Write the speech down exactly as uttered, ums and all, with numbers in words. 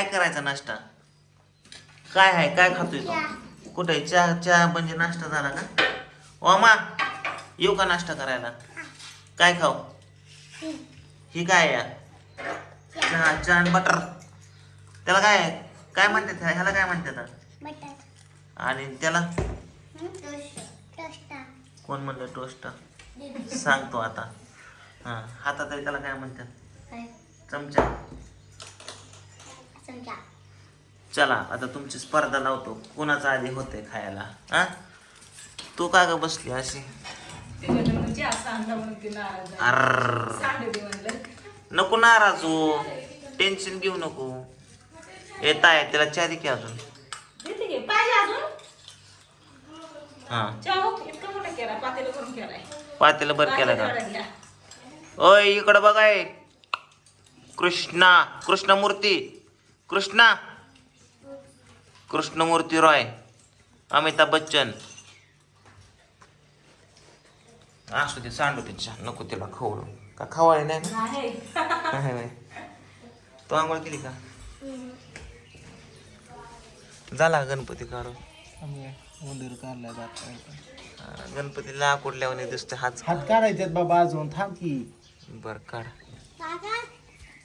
काय करायचा नाश्ता? काय आहे, काय खातोय तू? कुठे चहा? चहा म्हणजे नाश्ता झाला का? ओमा येऊ का नाश्ता करायला? काय खाऊ? ही काय आहे? चहा चहा आणि बटर. त्याला काय आहे? काय म्हणतात ह्याला? काय म्हणतात? आणि त्याला कोण म्हणलं टोस्ट? सांगतो आता. हा हातात तरी त्याला काय म्हणतात? चमचा. चला आता तुमची स्पर्धा लावतो, कोणाचा आधी होते खायला. हा तू का ग बसली अशी? अर्र नको नाराज हो, टेन्शन घेऊ नको. येत आहे त्याला चहा दे की अजून. हा पातेला बर केला का? ओय इकडं बघाय. कृष्णा कृष्णमूर्ती कृष्णा कृष्णमूर्ती रॉय अमिताभ बच्चन. असू दे सांडू तिच्या, नको तिला खवळू. का खवाळे नाही ना? तो आंघोळ केली का? झाला गणपती काढून? उंदीर काढलाय बात. गणपतीला कुठल्यावर दिसते हात हात काढायच्यात बाबा अजून, थांब की. बर काढ.